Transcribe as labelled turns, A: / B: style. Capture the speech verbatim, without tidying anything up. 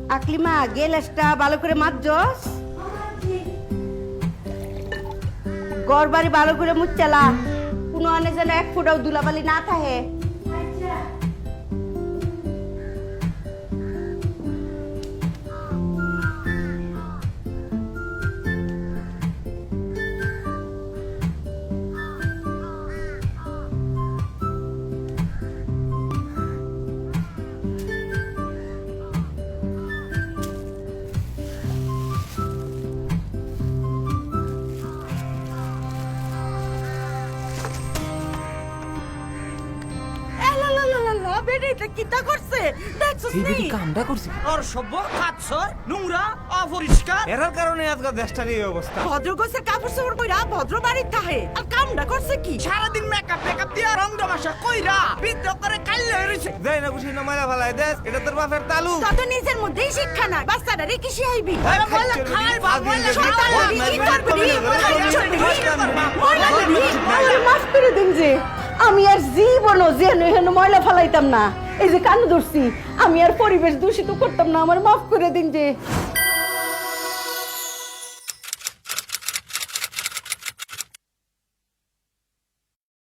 A: আকলিমা গেলাসটা ভালো করে মাজছস? ঘর বাড়ি ভালো করে মুচ্চালা, কোনো আনে যেন এক ফুটাও ধুলাবালি না থাকে। কিটা করছে দেখছস
B: এই
A: নি?
B: বেটি কামটা করছে
C: আর সভ্য খাচ্ছর নোংরা অপরিষ্কার
B: এরার কারণে আজকে দেশটার এই অবস্থা।
A: ভদ্র গোছে কাপড় চোপড় কইরা ভদ্র বাড়ির তাহে আর কামটা করছে কি?
C: সারাদিন মেকআপ মেকআপ দিয়া রং তামাশা কইরা বিদ্রোহ করে কাইলে হইছে।
B: যাই না খুশি না মাইরা ফেলায় দেশ, এটা তোর বাপের তালু।
A: তত নিজের মধ্যেই শিক্ষা নাই, বাচ্চাটা রে কি শিখাইবি?
C: আরে বলে খাই বাপ বলে
A: শয়তান
C: শয়তান
A: লাগি, কি করবি? আমার মাফ করে দিন যে আমি আর জীবনও যেন এখানে ময়লা ফেলাইতাম না। এই যে কান ধরছি, আমি আর পরিবেশ দূষিত করতাম না, আমার মাফ করে দিন যে।